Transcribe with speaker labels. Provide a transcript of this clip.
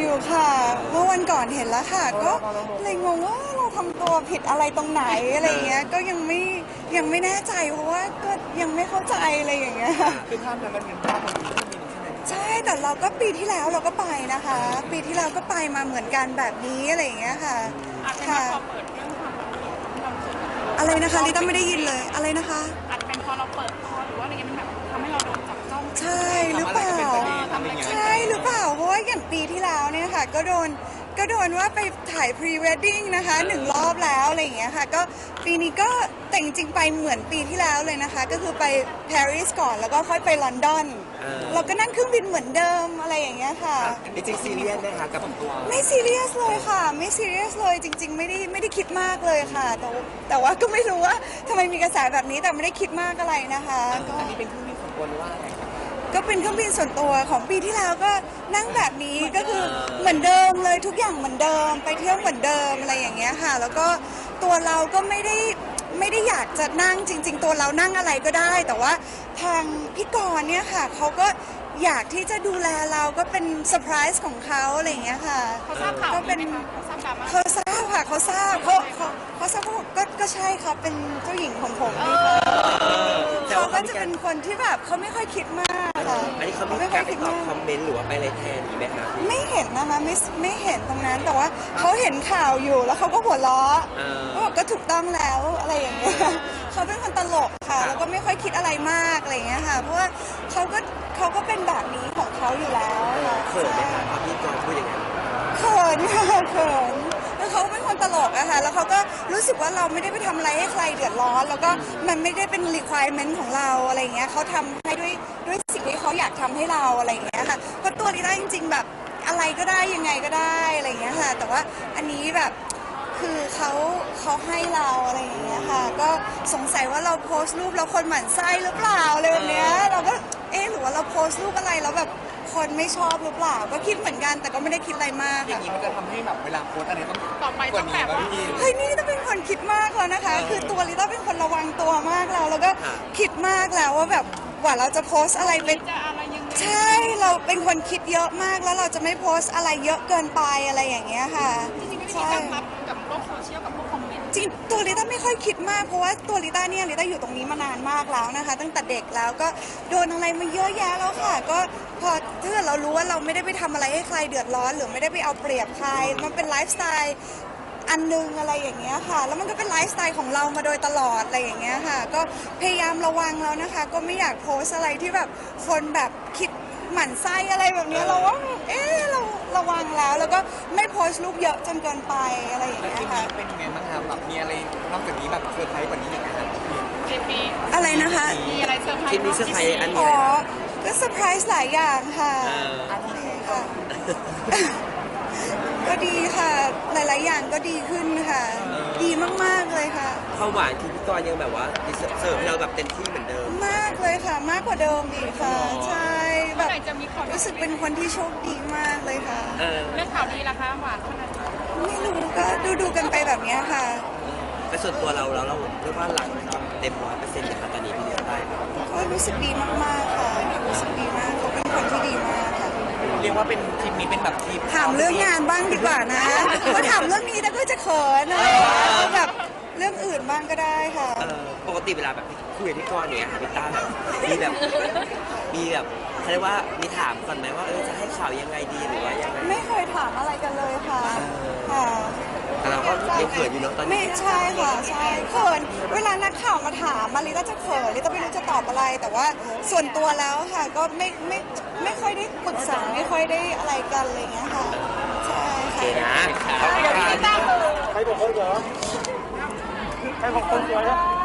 Speaker 1: อยู่ค่ะเมื่อวันก่อนเห็นแล้วค่ะก็เลยงงว่าเราทำตัวผิดอะไรตรงไหนอะไรเงี้ยก็ยังไม่แน่ใจเพราะว่าก็ยังไม่เข้าใจอะไรอย่างเงี้ย
Speaker 2: คือภาพนั้นมันเป็นภาพของที่มีใช่ไหม
Speaker 1: ใช่แต่เราก็ปีที่แล้วเราก็ไปนะคะปีที่แล้วก็ไปมาเหมือนกันแบบนี้อะไรอย่างเงี้ยค่ะค่ะอะไรนะคะลิต้าไม่ได้ยินเลยอะไรนะคะ
Speaker 3: อาจจะเป็นพอเราเปิดคอหรือว่าอะไรเงี้ยมันแบบทำให้เราโดนจับจ้อง
Speaker 1: ใช่หรือเปล่าใช่หรือเปล่าเพราะว่าอย่างปีที่แล้วเนี่ยค่ะก็โดนว่าไปถ่ายพรีเวดดิ้งนะคะ1 รอบแล้วอะไรอย่างเงี้ยค่ะก็ปีนี้ก็แต่จริงๆไปเหมือนปีที่แล้วเลยนะคะก็คือไปปารีสก่อนแล้วก็ค่อยไปลอนดอนเราก็นั่งเครื่องบินเหมือนเดิมอะไรอย่างเงี้ยค่ะ
Speaker 2: จริงๆซีเรียสไหมคะกับตัว
Speaker 1: ไม่ซีเรียสเลยค่ะไม่ซีเรียสเลยจริงๆไม่ได้คิดมากเลยค่ะแต่ว่าก็ไม่รู้ว่าทำไมมีกระแสแบบนี้แต่ไม่ได้คิดมากอะไรนะคะก็
Speaker 2: อันนี้เป็นเครื่องบินส่วนตัวหรือว่าอะไร
Speaker 1: ก็เป็นเครื่องบินส่วนตัวของปีที่แล้วก็นั่งแบบนี้ก็คือเหมือนเดิมเลยทุกอย่างเหมือนเดิมไปเที่ยวเหมือนเดิมอะไรอย่างเงี้ยค่ะแล้วก็ตัวเราก็ไม่ได้อยากจะนั่งจริงๆตัวเรานั่งอะไรก็ได้แต่ว่าทางพี่กรณ์เนี่ยค่ะเขาก็อยากที่จะดูแลเราก็เป็นเซอร์ไพรส์ของเขาอะไรอย่างเงี้ยค่ะ
Speaker 3: เขาทราบข่าว
Speaker 1: ก็เป็น
Speaker 3: เขาทราบข่าว
Speaker 1: เขาทราบค่ะเขาทราบเขาทราบก็ใช่ครับเป็นเจ้าหญิงของผมนี่ค่ะเขาก็จะเป็นคนที่แบบเขาไม่ค่อยคิดมากค่ะ
Speaker 2: อันนี้เขาไม่ค่อยไปตอบคอมเมนต์หรือว่าไปอะไรแทนนี้ไหมคะ
Speaker 1: ไม่เห็นนะคะไม่เห็นตรงนั้นแต่ว่าเขาเห็นข่าวอยู่แล้วเขาก็หัวเราะก็บอกก็ถูกต้องแล้วอะไรอย่างเงี้ยเขาเป็นคนตลกค่ะแล้วก็ไม่ค่อยคิดอะไรมากอะไรอย่างเงี้ยค่ะเพราะว่าเขาก็เป็นแบบนี้ของเขาอยู่แล้วค่ะ
Speaker 2: เขินไหมคะพอพี่กรณ์พูดอย่างนั้น
Speaker 1: เขินค่ะเขินแล้วเขาเป็นคนตลกอะค่ะแล้วเขาก็รู้สึกว่าเราไม่ได้ไปทำอะไรให้ใครเดือดร้อนแล้วก็มันไม่ได้เป็น requirement ของเราอะไรอย่างเงี้ยเขาทำให้ด้วยสิ่งที่เขาอยากทำให้เราอะไรอย่างเงี้ยค่ะเพราะตัวลิต้าจริงๆแบบอะไรก็ได้ยังไงก็ได้อะไรอย่างเงี้ยค่ะแต่ว่าอันนี้แบบคือเขาให้เราอะไรอย่างเงี้ยค่ะก็สงสัยว่าเราโพสต์รูปแล้วคนหมั่นไส้หรือเปล่าอะไรแบบเนี้ยเราก็หรือว่าเราโพสต์รูปอะไรแล้วแบบคนไม่ชอบหรือเปล่าก็คิดเหมือนกันแต่ก็ไม่ได้คิดอะไรมาก
Speaker 2: อย่างนี้มันจะทำให้แบบเวลาโพสอะไรต้อง
Speaker 3: ต่อไปต้องแบบว่า
Speaker 1: เฮ้ยนี่ต้องเป็นคนคิดมากแล้วนะคะคือตัวลิต้าเป็นคนระวังตัวมากแล้วก็คิดมากแล้วว่าแบบว่าเราจะโพสอะไรเป็นใช่เราเป็นคนคิดเยอะมากแล้วเราจะไม่โพสอะไรเยอะเกินไปอะไรอย่างเงี้ยค่ะ
Speaker 3: จริงๆไม่ได้มีการรับกับโลกโซเชียลกับพวกคอมเมนต์
Speaker 1: จริงตัวลิต้าไม่ค่อยคิดมากเพราะว่าตัวลิต้าเนี่ยลิต้าอยู่ตรงนี้มานานมากแล้วนะคะตั้งแต่เด็กแล้วก็โดนอะไรมาเยอะแยะแล้วค่ะก็พอถ้าเรารู้ว่าเราไม่ได้ไปทำอะไรให้ใครเดือดร้อนหรือไม่ได้ไปเอาเปรียบใครมันเป็นไลฟ์สไตล์อันนึงอะไรอย่างเงี้ยค่ะแล้วมันก็เป็นไลฟ์สไตล์ของเรามาโดยตลอดอะไรอย่างเงี้ยค่ะก็พยายามระวังแล้วนะคะก็ไม่อยากโพสอะไรที่แบบคนแบบคิดหมั่นไส้อะไรแบบนี้เราว่าเราระวังแล้วก็ไม่โพสต์รูปเยอะจนเกินไปอะไรอย่างเงี้ยค่ะ
Speaker 2: เป็นยังไงบ้างครับแบบมีอะไรนอกจากนี้แบบเซอร์ไพรส์กว่านี้ยังไงครับ
Speaker 3: ปี
Speaker 1: อะไรนะคะ
Speaker 3: มีอะไรเซอร์ไพรส์
Speaker 2: คิดมีเซอร์ไพรส์อัน
Speaker 1: อ๋
Speaker 2: นี้
Speaker 1: อก็เซอร์ไพรส์หลายอย่างค่ะก็ดีค่ะหลายๆอย่างก็ดีขึ้นค่ะดีมากๆเลยค่ะ
Speaker 2: ความหวานคือพี่กรณ์ยังแบบว่าเสิร์ฟให้เราแบบเต็มที่เหมือนเดิม
Speaker 1: มากเลยค่ะมากกว่าเดิมอีกค่ะใช่แบบ
Speaker 3: จะมีคน
Speaker 1: รู้สึกเป็นคนที่โชคดีมากเลยค่ะ
Speaker 3: เรื่องข่าวดีล่ะคะหวานขนาด
Speaker 1: ไม่รู้ก็ดูกันไปแบบนี้ค่ะ
Speaker 2: แต่ส่วนตัวเราเรียกว่าหลังเต็ม100%นะคะตอนนี้พี่เดียวได้
Speaker 1: ก็รู้สึกดีมากๆค่ะรู้สึกดีมากเขาเป็นคนที่ดีมากค่ะ
Speaker 2: เรียกว่าเป็นทริปนี้เป็นแบบทริป
Speaker 1: ถามเรื่องงานบ้างดีกว่านะว่าถามเรื่องนี้แล้วก็จะเขินอะไรแบบเรื่องอื่นบ้างก็ได้ค่ะ
Speaker 2: ปกติเวลาแบบคุยกับพี่กรณ์อย่างเงี้ยค่ะพี่ต้าแบบมีแบบเขาเรียกว่ามีถามก่อนไหมว่าจะให้ข่าวยังไงดีหรือว่ายังไง
Speaker 1: ไม่เคยถามอะไรกันเลยค่ะค่ะ
Speaker 2: แต่เราก็ยังเขินอยู่เนาะตอนนี้
Speaker 1: ไม่ใช่ค่ะใช่เขินเวลานักข่าวมาถามลิต้าจะเขินลิต้าไม่รู้จะตอบอะไรแต่ว่าส่วนตัวแล้วค่ะก็ไม่ค่อยได้ปรึกษาไม่ค่อยได้อะไรกันอะไรอย่างเงี้ยค่ะใช่
Speaker 2: ค่ะ
Speaker 3: เดี๋ยวพี่ตั้ง
Speaker 2: ใครบอกคนเหรอใครบอกคนเหรอ